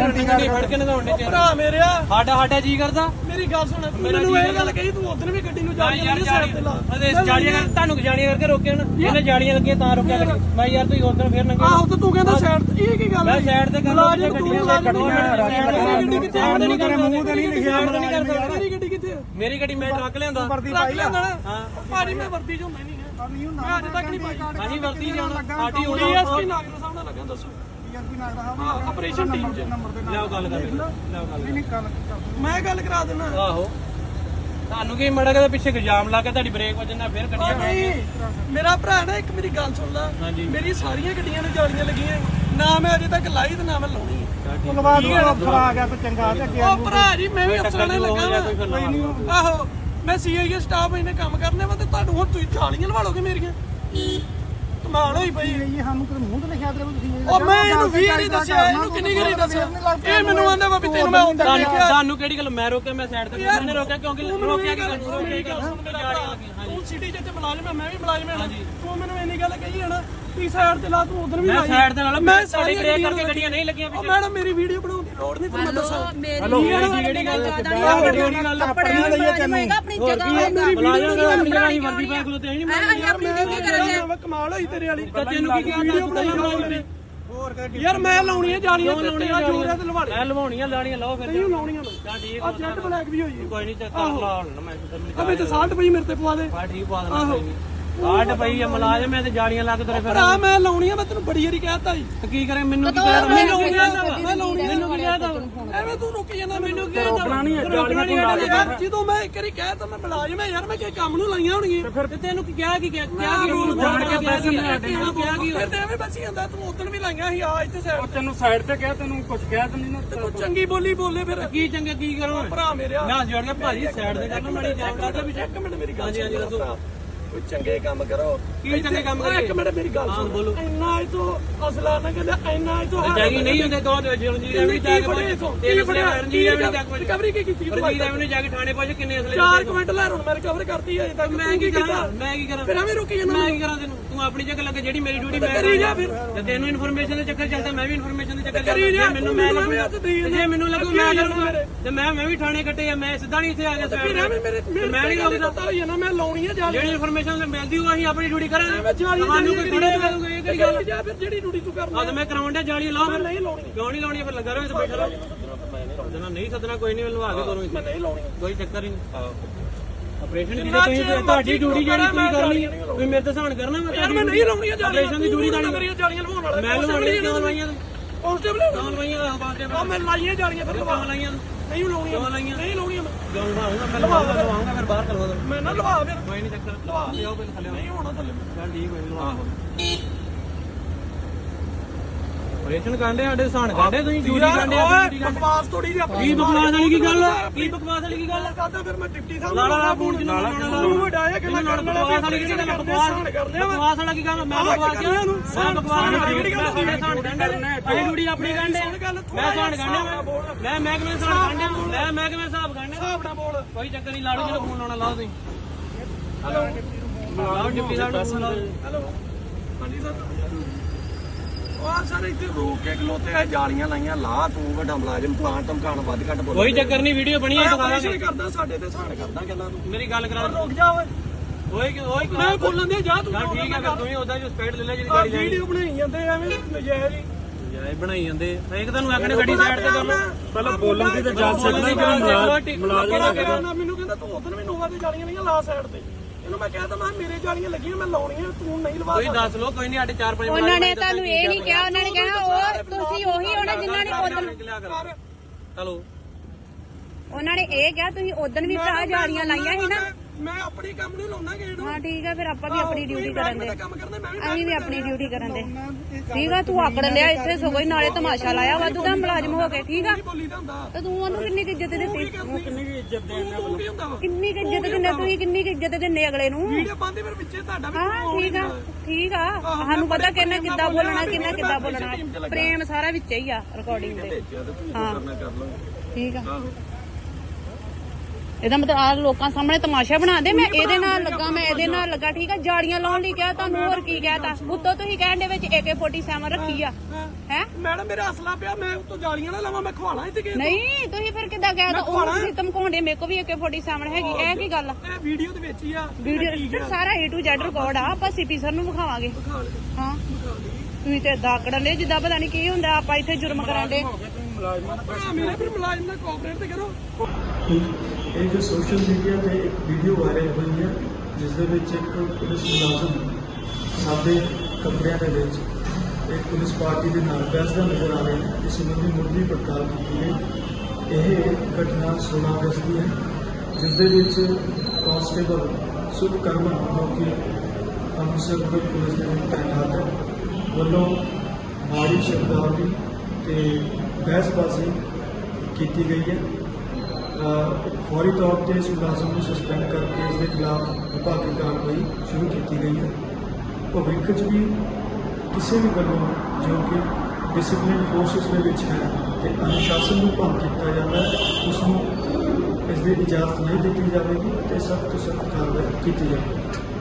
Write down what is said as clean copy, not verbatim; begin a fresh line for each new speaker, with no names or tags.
ਨਹੀਂ ਫੜ ਕੇ ਨਗਾਉਣੇ ਚ
ਭਰਾ ਮੇਰਿਆ
ਸਾਡਾ ਜੀ ਕਰਦਾ
ਮੇਰੀ ਗੱਲ ਸੁਣ ਮੈਨੂੰ ਇਹ ਗੱਲ ਕਹੀ ਤੂੰ ਉਧਰ ਵੀ ਗੱਡੀ ਨੂੰ ਜਾਲੀਆਂ
ਤੁਹਾਨੂੰ ਜਾਲੀਆਂ ਕਰਕੇ ਰੋਕਿਆ ਨਾ ਇਹਨੇ ਜਾਲੀਆਂ ਲੱਗੀਆਂ ਤਾਂ ਰੋਕਿਆ ਮੈਂ ਯਾਰ ਤੁਸੀਂ ਉਧਰ ਫੇਰ ਨੰਗੇ
ਆਹੋ ਤੇ ਤੂੰ ਕਹਿੰਦਾ ਸਾਈਡ ਤੇ ਇਹ ਕੀ ਗੱਲ
ਮੈਂ ਸਾਈਡ ਤੇ ਕਰਦਾ ਗੱਡੀਆਂ
ਗੱਡੀ ਕਿੱਥੇ ਆ
ਨਹੀਂ ਕਰ ਮੂੰਹ ਤੇ ਨਹੀਂ ਲਿਖਿਆ
ਮੇਰੀ ਗੱਡੀ ਕਿੱਥੇ
ਮੇਰੀ ਗੱਡੀ ਮੈਂ ਟਰੱਕ ਲਿਆਂਦਾ
ਟਰੱਕ ਲਿਆਂਦਾ ਹਾਂ ਭਾਜੀ ਮੈਂ ਵਰਦੀ ਚੋਂ ਮੈਂ ਨਹੀਂ ਮੈਂ ਅੱਜ ਤੱਕ ਨਹੀਂ ਪਾਈ
ਹਾਂਜੀ ਵਰਦੀ ਜਾਣਾ ਸਾਡੀ ਹੋਣੀ
ਡੀਐਸਪੀ ਨਾਗਰ ਸਾਹਿਬ ਨਾਲ ਲੱਗਾ ਦੱਸੋ ਆਪਰੇਸ਼ਨ ਟੀਮ ਚ
ਲਿਆਓ ਗੱਲ ਕਰ ਲਿਆਓ ਗੱਲ
ਮੈਂ ਗੱਲ ਕਰਾ ਦਿੰਦਾ
ਆਹੋ ਤੁਹਾਨੂੰ ਕੀ ਮੜਾ ਕੇ ਪਿੱਛੇ ਇਲਜ਼ਾਮ ਲਾ ਕੇ ਤੁਹਾਡੀ ਬ੍ਰੇਕ ਵੱਜਣਾ ਫਿਰ ਗੱਡੀਆਂ
ਨਹੀਂ ਮੇਰਾ ਭਰਾ ਨਾ ਇੱਕ ਮੇਰੀ ਗੱਲ ਸੁਣ ਲੈ ਮੇਰੀ ਸਾਰੀਆਂ ਗੱਡੀਆਂ ਨੂੰ ਜਾਲੀਆਂ ਲੱਗੀਆਂ ਨਾ ਮੈਂ ਅਜੇ ਤੱਕ ਲਾਈ ਤੇ ਨਾ ਮੈਂ ਲਾਉਣੀ
ਧੰਨਵਾਦ ਅਫਸਰ ਆ ਗਿਆ ਤੇ ਚੰਗਾ ਤੇ ਅੱਗੇ
ਉਹ ਭਰਾ ਜੀ ਮੈਂ ਵੀ ਅਫਸਰਾਂ ਨਾਲ ਲੱਗਾ ਆਹੋ ਮੈਂ ਸੀਆਈਏ ਸਟਾਫ ਇਹਨੇ ਕੰਮ ਕਰਨੇ ਵਾ ਤੇ ਤੁਹਾਨੂੰ ਹੁਣ ਤੁਸੀਂ ਜਾਲੀਆਂ ਲਵਾ ਲੋਗੇ ਮੇਰੀਆਂ ਕਮਾਲ ਹੋਈ ਪਈ
ਇਹ ਸਾਨੂੰ ਤੇ ਮੂੰਹ ਤੇ ਲਿਖਿਆ ਤੇ ਤੁਸੀਂ
ਉਹ ਮੈਂ ਇਹਨੂੰ ਵੀ ਨਹੀਂ ਦੱਸਿਆ ਇਹਨੂੰ ਕਿੰਨੀ ਗਰੀ ਦੱਸਿਆ ਇਹ ਮੈਨੂੰ ਆਂਦਾ ਵਾ ਵੀ ਤੈਨੂੰ ਮੈਂ ਹੁੰਦਾ ਦੇਖਿਆ
ਤੁਹਾਨੂੰ ਕਿਹੜੀ ਗੱਲ ਮੈਂ ਰੋਕਿਆ ਮੈਂ ਸਾਈਡ ਤੇ ਮੈਨੇ ਰੋਕਿਆ ਕਿਉਂਕਿ ਰੋਕਿਆ
ਤੂੰ ਸਿਟੀ ਜਿੱਥੇ ਮੁਲਾਜ਼ਮ ਮੈਂ ਵੀ ਮੁਲਾਜ਼ਮ ਹਾਂ ਤੂੰ ਮੈਨੂੰ ਇੰਨੀ ਗੱਲ ਕਹੀ ਹੈ ਨਾ ਤੀ ਸਾਈਡ ਤੇ ਲਾ ਤੂੰ ਉਧਰ ਵੀ
ਮੈਂ ਸਾਈਡ ਤੇ ਨਾਲ ਮੈਂ ਸਾਡੀ ਬ੍ਰੇਕ ਕਰਕੇ ਗੱਡੀਆਂ ਨਹੀਂ ਲੱਗੀਆਂ
ਉਹ ਮੈਡਮ ਮੇਰੀ ਵੀਡੀਓ ਬਣਾਉਣ ਦੀ ਲੋੜ ਨਹੀਂ ਤੈਨੂੰ ਦੱਸਾਂ
ਹਲੋ ਜਿਹੜੀ ਗੱਲ ਗੱਡੀ ਗੱਲ
ਆਪਣੀਆਂ ਲਈ ਤੈਨੂੰ
ਆਪਣੀ ਜਗ੍ਹਾ
ਮੁਲਾਜ਼ਮ ਦਾ ਆਪਣੀ ਜਗ੍ਹਾ ਹੀ ਵਰਦੀ ਪਾ ਖਲੋਤੇ ਨਹੀਂ
ਮੈਂ ਕਮਾਲ ਹੋਈ ਤੇਰੇ ਵਾਲੀ
ਤੈਨੂੰ ਕੀ ਕਿਹਾ
ਵੀਡੀਓ ਬਣਾਈ ਯਾਰ ਮੈਂ ਲਾਉਣੀਆਂ ਜਾਲੀਆਂ ਲਾਉਣੀਆਂ ਜੋੜਿਆ ਤੇ ਲਵਾੜੇ
ਮੈਂ ਲਵਾਉਣੀਆਂ ਲਾਣੀਆਂ ਲਾਓ ਫਿਰ
ਨਹੀਂ ਲਾਉਣੀਆਂ
ਤਾਂ ਠੀਕ
ਆ ਜੈਟ ਬਲੈਕ ਵੀ ਹੋਈ
ਕੋਈ ਨਹੀਂ ਚੱਕ ਲਾ ਹੁਣ ਮੈਂ
ਅਬੇ ਤੇ 60 ਪਈ ਮੇਰੇ ਤੇ ਪਵਾ ਦੇ
ਬਾ ਠੀਕ ਪਾ ਦੇਣਾ ਕੋਈ ਨਹੀਂ ਕਾਟ ਪਈ ਆ ਮੁਲਾਜ਼ਮ ਐ ਤੇ ਜਾਲੀਆਂ ਲੱਗ ਤੇਰੇ ਫਿਰ
ਭਰਾ ਮੈਂ ਲਾਉਣੀਆਂ ਮੈਂ ਤੈਨੂੰ ਬੜੀ ਵਾਰੀ ਕਹਿਤਾ ਜੀ
ਤੇ ਕੀ ਕਰੇ ਮੈਨੂੰ ਕੀ ਕਹਿ ਮੈਨੂੰ ਕੀ ਕਹਿਦਾ
ਮੈਂ ਲਾਉਣੀਆਂ
ਮੈਨੂੰ ਕੀ ਕਹਿਦਾ
ਐਵੇਂ ਤੂੰ ਰੁਕ ਜਾਂਦਾ ਮੈਨੂੰ ਕੀ
ਰੋਕਣਾ ਨਹੀਂ ਜਾਲੀਆਂ ਤੂੰ ਲਾ
ਯਾਰ ਜਦੋਂ ਮੈਂ ਇੱਕ ਵਾਰੀ ਕਹਿਤਾ ਮੈਂ ਮੁਲਾਜ਼ਮ ਯਾਰ ਮੈਂ ਕਿ ਕੰਮ ਨੂੰ ਲਾਈਆਂ ਹੋਣਗੀਆਂ
ਤੇ ਤੈਨੂੰ ਕੀ ਕਿਹਾ ਕੀ ਰੂਲ ਜਾਣ ਕੇ ਪੈਸੇ ਨਹੀਂ ਆਟੇ ਨੂੰ ਕਿਹਾ ਕੀ
ਫਿਰ ਤੇ ਐਵੇਂ ਬਸੀ ਜਾਂਦਾ ਤੂੰ ਉਦੋਂ ਵੀ ਲਾਈਆਂ ਸੀ ਆ ਇੱਥੇ ਸਾਈਡ
ਤੈਨੂੰ ਸਾਈਡ ਤੇ ਕਿਹਾ ਤੈਨੂੰ ਕੁਝ ਕਿਹਾ ਤੈਨੂੰ ਨਾ
ਤੂੰ ਚੰਗੀ ਬੋਲੀ ਬੋਲੇ ਫਿਰ
ਕੀ ਚੰਗਾ ਕੀ ਕਰੋ
ਭਰਾ ਮੇਰਿਆ
ਮੈਂ ਜੋੜ ਕੇ ਭਾਜੀ ਸਾਈਡ ਤੇ ਕਰਨਾ ਮਾੜੀ ਜਾਣ ਕਰਦਾ ਵੀ
ਇੱਕ ਮਿੰਟ ਮੇਰੀ ਗੱਲ
ਹਾਂਜੀ ਹਾਂਜੀ ਦੱਸੋ
ਕੋਈ ਚੰਗੇ ਕੰਮ ਕਰੋ
ਕੀ ਚੰਗੇ ਕੰਮ ਕਰੀਏ
ਇੱਕ ਮਿੰਟ ਮੇਰੀ ਗੱਲ ਸੁਣ
ਬੋਲੋ
ਇੰਨਾ ਇਹ ਤੋਂ ਅਸਲਾ ਨਾ ਕਹਿੰਦਾ ਇੰਨਾ ਇਹ ਤੋਂ
ਜਾਗੀ ਨਹੀਂ ਹੁੰਦੇ ਦੋ ਜਲਜੀਤ ਐਵੇਂ ਜਾ ਕੇ ਤੇਰੇ ਬੜੇ ਰਣਜੀਤ ਐਵੇਂ ਜਾ ਕੇ
ਰਿਕਵਰੀ ਕੀ ਕੀਤੀ
ਰਣਜੀਤ ਐਵੇਂ ਜਾ ਕੇ ਥਾਣੇ ਪਹੁੰਚ ਕਿੰਨੇ ਅਸਲੇ
4 ਮਿੰਟ ਲੈ ਹੁਣ ਮੈਂ ਰਿਕਵਰ ਕਰਤੀ ਹੈ ਤੱਕ
ਮੈਂ ਕੀ ਕਰਾਂ
ਫਿਰ ਐਵੇਂ ਰੁਕੀ ਜਾਂਦਾ
ਮੈਂ ਕੀ ਕਰਾਂ ਤੈਨੂੰ ਤੂੰ ਆਪਣੀ ਜਗ੍ਹਾ ਲੱਗੇ ਜਿਹੜੀ ਮੇਰੀ ਡਿਊਟੀ ਮੈਂ
ਕਰੀ ਜਾ ਫਿਰ
ਤੇ ਤੈਨੂੰ ਇਨਫੋਰਮੇਸ਼ਨ ਦੇ ਚੱਕਰ ਚੱਲਦਾ ਮੈਂ ਵੀ ਇਨਫੋਰਮੇਸ਼ਨ ਦੇ ਚੱਕਰ
ਕਰੀ ਜਾ
ਮੈਨੂੰ ਮੈਂ ਜੇ ਮੈਨੂੰ ਲੱਗੂ ਮੈਂ ਕਰੂੰਗਾ ਤੇ ਮੈਂ ਵੀ ਥਾਣੇ ਕੱਟੇ ਆ ਮੈਂ ਸਿੱਧਾ ਨਹੀਂ ਇੱਥੇ ਆ ਗਿਆ
ਫਿਰ ਐਵੇਂ ਮੇਰੇ
ਮੈਂ ਨਹੀਂ ਰੋਕਦਾ
ਪਤਾ ਹੋਈ ਨਾ ਮੈਂ ਲਾਉਣੀ ਹੈ ਜਾਲੀ
ਜਿਹੜੀ ਇਨਫੋਰਮੇਸ਼ਨ ਮਿਲਦੀ ਹੋਊ ਅਸੀਂ ਆਪਣੀ ਡਿਊਟੀ ਕਰਾਂਗੇ
ਮੈਂ ਜਾਲੀ
ਤੁਹਾਨੂੰ ਕੋਈ ਥੋੜੇ ਮਿਲੂਗਾ ਇਹ ਕਿਹੜੀ ਗੱਲ
ਜਾ ਫਿਰ ਜਿਹੜੀ ਡਿਊਟੀ ਤੂੰ ਕਰਨਾ
ਆ ਮੈਂ ਕਰਾਉਣ ਡਿਆ ਜਾਲੀ ਲਾਓ ਫਿਰ
ਨਹੀਂ ਲਾਉਣੀ
ਕਿਉਂ ਨਹੀਂ ਲਾਉਣੀ ਫਿਰ ਲੱਗਾ ਰਹੋ ਇੱਥੇ ਬੈਠਾ ਰਹੋ ਸੱਦਣਾ ਨਹੀਂ ਸੱਦਣਾ ਕੋਈ ਨਹੀਂ ਲਵਾ ਕੇ ਦੋਨੋਂ
ਮੈਂ ਨਹੀਂ ਲਾਉਣੀ
ਕੋਈ ਚੱਕਰ ਹੀ ਨਹੀਂ ਆਪਰੇਸ਼ਨ ਦੀ ਤੁਸੀਂ ਤੁਹਾਡੀ ਡਿਊਟੀ ਜਿਹੜੀ ਤੁਸੀਂ ਕਰਨੀ ਤੁਸੀਂ ਮੇਰੇ ਤੇ ਸਹਾਨ ਕਰਨਾ
ਮੈਂ ਨਹੀਂ ਲਾਉਣੀ ਜਾਲੀ
ਆਪਰੇਸ਼ਨ ਦੀ ਡਿਊਟੀ ਤੁਹਾਡੀ
ਕਰੀਏ ਜਾਲੀਆਂ ਲਵਾਉਣ ਵਾਲਾ
ਮੈਂ ਲਵਾਉਣੀ ਕਿਉਂ ਲਵਾਈਆਂ
ਕਾਂਸਟੇਬਲ
ਕਿਉਂ ਲਵਾਈਆਂ
ਉਹ ਮੈਂ ਲਾਈਆਂ ਜਾਲੀਆਂ ਫਿਰ
ਕਿਉਂ ਲਾਈਆਂ
ਨਹੀਂ ਲਾਉਣੀਆਂ ਨਹੀਂ ਲਾਉਣੀਆਂ
ਕਿਉਂ ਲਵਾਉਂਗਾ ਮੈਂ ਲਵਾਉਂਗਾ ਫਿਰ ਬਾਹਰ ਕਰਵਾ ਦੋ
ਮੈਂ ਨਾ ਲਵਾ ਫਿਰ
ਕੋਈ ਨਹੀਂ ਚੱਕਰ ਲਵਾ ਲਿਓ ਪਹਿਲਾਂ ਥੱਲੇ
ਨਹੀਂ ਹੋਣਾ ਥੱਲੇ
ਚੱਲ ਠੀਕ ਹੋਈ ਲਵਾ ਆਪਰੇਸ਼ਨ ਕਾਂਡੇ ਸਾਡੇ ਸਹਾਨ ਕਾਂਡੇ ਤੁਸੀਂ ਡਿਊਟੀ ਕਾਂਡੇ
ਬਕਵਾਸ ਥੋੜੀ ਜਿਹੀ ਆਪਣੀ
ਕੀ ਬਕਵਾਸ ਵਾਲੀ ਕੀ ਗੱਲ ਕੀ ਬਕਵਾਸ ਵਾਲੀ ਕੀ ਗੱਲ
ਕਰਦਾ ਫਿਰ ਮੈਂ ਡਿਪਟੀ ਸਾਹਿਬ
ਲਾਲਾ ਫੋਨ ਜਿੰਨਾ ਲਾਉਣਾ
ਤੂੰ ਵਡਾਇਆ ਕਿ ਮੈਂ ਕਰਨ ਵਾਲਾ
ਬਕਵਾਸ ਵਾਲੀ ਕੀ ਗੱਲ ਬਕਵਾਸ ਵਾਲਾ ਕੀ ਗੱਲ ਮੈਂ ਬਕਵਾਸ ਕਿਹਾ ਇਹਨੂੰ ਮੈਂ ਬਕਵਾਸ ਵਾਲੀ ਸਹਾਨ ਕਾਂਡੇ ਅਜੇ ਡਿਊਟੀ ਆਪਣੀ ਕਾਂਡੇ ਮੈਂ ਸਹਾਨ ਕਾਂਡੇ ਮੈਂ ਮਹਿਕਮੇ ਸਹਾਨ ਕਾਂਡੇ ਮੈਂ ਮਹਿਕਮੇ ਹਿਸਾਬ ਕਾਂਡੇ
ਹਿਸਾਬ ਨਾਲ ਬੋਲ
ਕੋਈ ਚੱਕਰ ਨਹੀਂ ਲਾੜੂ ਜਿਹੜਾ ਫੋਨ ਲਾਉਣਾ ਲਾਓ ਤੁਸੀਂ ਲਾਓ ਡਿਪਟੀ ਸਾਹਿਬ ਨੂੰ ਫੋਨ ਲਾਓ
ਹੈਲੋ ਹਾਂਜੀ ਸਰ ਉਹ ਸਰ ਇੱਥੇ ਰੋਕ ਕੇ ਖਲੋਤੇ ਆ ਜਾਲੀਆਂ ਲਾਈਆਂ ਲਾ ਤੂੰ ਵੱਡਾ ਮੁਲਾਜ਼ਮ ਪਲਾਂਟ ਧਮਕਾਣ ਵੱਧ ਘੱਟ ਬੋਲ
ਕੋਈ ਚੱਕਰ ਨਹੀਂ ਵੀਡੀਓ ਬਣੀ ਹੈ
ਆਪਰੇਸ਼ਨ ਕਰਦਾ ਸਾਡੇ ਤੇ ਸਹਾਨ ਕਰਦਾ ਗੱਲਾਂ ਤੂੰ
ਮੇਰੀ ਗੱਲ ਕਰਾ
ਰੁਕ ਜਾ ਓਏ
ਓਏ
ਮੈਂ ਬੋਲਣ ਦੇ ਜਾ ਤੂੰ
ਠੀਕ ਹੈ ਫਿਰ ਤੂੰ ਹੀ ਉਹਦਾ ਜੋ ਸਪੀਡ ਲੈ ਲੈ ਜਿਹੜੀ ਗਾੜੀ
ਵੀਡੀਓ ਬਣਾਈ ਜਾਂਦੇ ਐਵੇਂ ਨਜਾਇਜ਼ ਹੀ
ਜਾਏ ਬਣਾਈ ਜਾਂਦੇ ਇੱਕ ਤੁਹਾਨੂੰ ਆਖਣੇ ਗੱਡੀ ਸਾਈਡ ਤੇ ਕਰ ਲਓ
ਪਹਿਲਾਂ ਬੋਲਣ ਦੀ ਤਾਂ ਜਾ ਸਕਦਾ
ਮੁਲਾਜ਼ਮ ਮੈਨੂੰ ਕਹਿੰਦਾ ਤੂੰ ਉਧਰ ਵੀ ਨੋਵਾ ਤੇ ਜਾਲੀਆਂ ਲਈਆਂ ਲਾ ਸਾਈਡ ਤੇ ਇਹਨੂੰ ਮੈਂ ਕਹਿੰਦਾ ਮੈਂ ਮੇਰੇ ਜਾਲੀਆਂ ਲੱਗੀਆਂ ਮੈਂ ਲਾਉਣੀਆਂ ਤੂੰ ਨਹੀਂ ਲਵਾ
ਕੋਈ ਦੱਸ ਲੋ ਕੋਈ ਨਹੀਂ ਸਾਡੇ 4-5
ਉਹਨਾਂ ਨੇ ਤੁਹਾਨੂੰ ਇਹ ਨਹੀਂ ਕਿਹਾ ਉਹਨਾਂ ਨੇ ਕਹਿਣਾ ਉਹ ਤੁਸੀਂ ਉਹੀ ਹੋਣਾ ਜਿਨ੍ਹਾਂ ਨੇ ਉਦੋਂ
ਚਲੋ
ਉਹਨਾਂ ਨੇ ਇਹ ਕਿਹਾ ਤੁਸੀਂ ਉਦੋਂ ਵੀ ਭਰਾ ਜਾਲੀਆਂ ਲਾਈਆਂ ਸੀ ਨਾ
ਮੈਂ ਆਪਣੀ ਕੰਮ ਨਹੀਂ ਲਾਉਣਾ ਗੇੜ
ਹਾਂ ਠੀਕ ਆ ਫਿਰ ਆਪਾਂ ਵੀ ਆਪਣੀ ਡਿਊਟੀ ਕਰਨ ਦੇ
ਕੰਮ ਕਰਦਾ ਮੈਂ ਵੀ
ਅਸੀਂ ਵੀ ਆਪਣੀ ਡਿਊਟੀ ਕਰਨ ਦੇ ਠੀਕ ਆ ਤੂੰ ਆਕੜ ਲਿਆ ਇੱਥੇ ਸਗੋਂ ਹੀ ਨਾਲੇ ਤਮਾਸ਼ਾ ਲਾਇਆ ਵਾਧੂ ਦਾ ਮੁਲਾਜ਼ਮ ਹੋ ਕੇ ਠੀਕ ਆ
ਬੋਲੀ ਦਾ ਹੁੰਦਾ
ਤੇ ਤੂੰ ਉਹਨੂੰ ਕਿੰਨੀ ਕੁ ਇੱਜ਼ਤ ਦਿੱਤੀ
ਕਿੰਨੀ ਵੀ ਇੱਜ਼ਤ ਦੇਣਾ
ਤੂੰ ਕੀ ਹੁੰਦਾ ਵਾ
ਕਿੰਨੀ ਕੁ ਇੱਜ਼ਤ ਦਿੰਦੇ ਤੁਸੀਂ ਕਿੰਨੀ ਕੁ ਇੱਜ਼ਤ ਦਿੰਦੇ ਅਗਲੇ ਨੂੰ
ਵੀਡੀਓ ਪਾਉਂਦੇ ਫਿਰ ਵਿੱਚੇ ਤੁਹਾਡਾ ਵੀ
ਹਾਂ ਠੀਕ ਆ ਸਾਨੂੰ ਪਤਾ ਕਿੰਨਾ ਕਿੱਦਾਂ ਬੋਲਣਾ ਕਿੰਨਾ ਕਿੱਦਾਂ ਬੋਲਣਾ ਪ੍ਰੇਮ ਸਾਰਾ ਵਿੱਚ ਹੀ ਆ ਰਿਕਾਰਡਿੰਗ ਦੇ ਹਾਂ ਠੀਕ ਆ ਇਹਦਾ ਮਤਲਬ ਆ ਲੋਕਾਂ ਸਾਹਮਣੇ ਤਮਾਸ਼ਾ ਬਣਾ ਦੇ। ਮੈਂ ਇਹਦੇ ਨਾਲ ਲੱਗਾ, ਮੈਂ ਇਹਦੇ ਨਾਲ ਲੱਗਾ, ਠੀਕ ਆ। ਜਾਲੀਆਂ ਲਾਉਣ ਲਈ ਕਿਹਾ ਤੁਹਾਨੂੰ, ਹੋਰ ਕੀ ਕਹਿਤਾ? ਉੱਤੋਂ ਤੁਸੀਂ ਕਹਿਣ ਦੇ ਵਿੱਚ AK-47 ਰੱਖੀ ਆ ਹੈ।
ਮੈਡਮ ਮੇਰਾ ਅਸਲਾ ਪਿਆ, ਮੈਂ ਉੱਤੋਂ ਜਾਲੀਆਂ ਨਾ ਲਾਵਾਂ, ਮੈਂ ਖਵਾਣਾ ਇੱਥੇ ਕਿਸੇ ਨੂੰ।
ਨਹੀਂ ਤੁਸੀਂ ਫਿਰ ਕਿੱਦਾਂ ਕਹਿਤਾ? ਉਹ ਤੁਸੀਂ ਧਮਕਾਉਂਦੇ, ਮੇਰੇ ਕੋਲ ਵੀ AK-47 ਹੈਗੀ। ਇਹ ਕੀ ਗੱਲ ਆ?
ਇਹ ਵੀਡੀਓ ਦੇ ਵਿੱਚ ਹੀ ਆ
ਵੀਡੀਓ ਸਾਰਾ A to Z ਰਿਕਾਰਡ ਆ। ਆਪਾਂ ਸੀਪੀ ਸਰ ਨੂੰ ਵਿਖਾਵਾਂਗੇ। ਹਾਂ ਤੁਸੀਂ ਤੇ ਏਦਾਂ ਆਕੜਨ ਦੇ ਜਿੱਦਾਂ ਪਤਾ ਨਹੀਂ ਕੀ ਹੁੰਦਾ। ਆਪਾਂ ਇੱਥੇ ਜੁਰਮ ਕਰਾਂਗੇ।
ਮੇਰੇ ਫਿਰ ਮੁਲਾਜ਼ਮ ਨਾਲ ਕੋਆਪਰੇਟ ਤੇ ਕਰੋ।
ਇਹ ਜੋ ਸੋਸ਼ਲ ਮੀਡੀਆ ਤੇ ਇੱਕ ਵੀਡੀਓ ਵਾਇਰਲ ਹੋਈ ਹੈ ਜਿਸ ਦੇ ਵਿੱਚ ਇੱਕ ਪੁਲਿਸ ਮੁਲਾਜ਼ਮ ਸਾਡੇ ਕਮਰਿਆਂ ਦੇ ਵਿੱਚ ਇੱਕ ਪੁਲਿਸ ਪਾਰਟੀ ਦੇ ਨਾਲ ਬਹਿਸਦਾ ਨਜ਼ਰ ਆ ਰਿਹਾ ਹੈ। ਇਸ ਸੰਬੰਧੀ ਮੁੱਢਲੀ ਪੜਤਾਲ ਕੀਤੀ ਗਈ। ਇਹ ਘਟਨਾ 16 ਅਗਸਤ ਦੀ ਹੈ ਜਿਸ ਦੇ ਵਿੱਚ ਕਾਂਸਟੇਬਲ ਸੁਖਕਰਮਨ ਜੋ ਕਿ ਅੰਮ੍ਰਿਤਸਰ ਪੁਲਿਸ ਦੇ ਵਿੱਚ ਤਾਇਨਾਤ ਹੈ ਵੱਲੋਂ ਮਾੜੀ ਸ਼ਬਦਾਵਲੀ ਤੇ ਬਹਿਸਬਾਜ਼ੀ ਕੀਤੀ ਗਈ ਹੈ। ਫੌਰੀ ਤੌਰ ਤੇ ਇਸ ਮੁਲਾਜ਼ਮ ਨੂੰ ਸਸਪੈਂਡ ਕਰਕੇ ਇਸ ਦੇ ਖਿਲਾਫ ਵਿਭਾਗੀ ਕਾਰਵਾਈ ਸ਼ੁਰੂ ਕੀਤੀ ਗਈ ਹੈ। ਭਵਿੱਖ 'ਚ ਵੀ ਕਿਸੇ ਵੀ ਵੱਲੋਂ ਜੋ ਕਿ ਡਿਸਪਲਿਨ ਫੋਰਸਿਸ ਦੇ ਵਿੱਚ ਹੈ ਤੇ ਅਨੁਸ਼ਾਸਨ ਨੂੰ ਭੰਗ ਕੀਤਾ ਜਾਂਦਾ ਹੈ ਉਸ ਨੂੰ ਇਸ ਦੀ ਇਜਾਜ਼ਤ ਨਹੀਂ ਦਿੱਤੀ ਜਾਵੇਗੀ ਤੇ ਸਖਤ ਤੋਂ ਸਖਤ ਕਾਰਵਾਈ ਕੀਤੀ ਜਾਵੇਗੀ।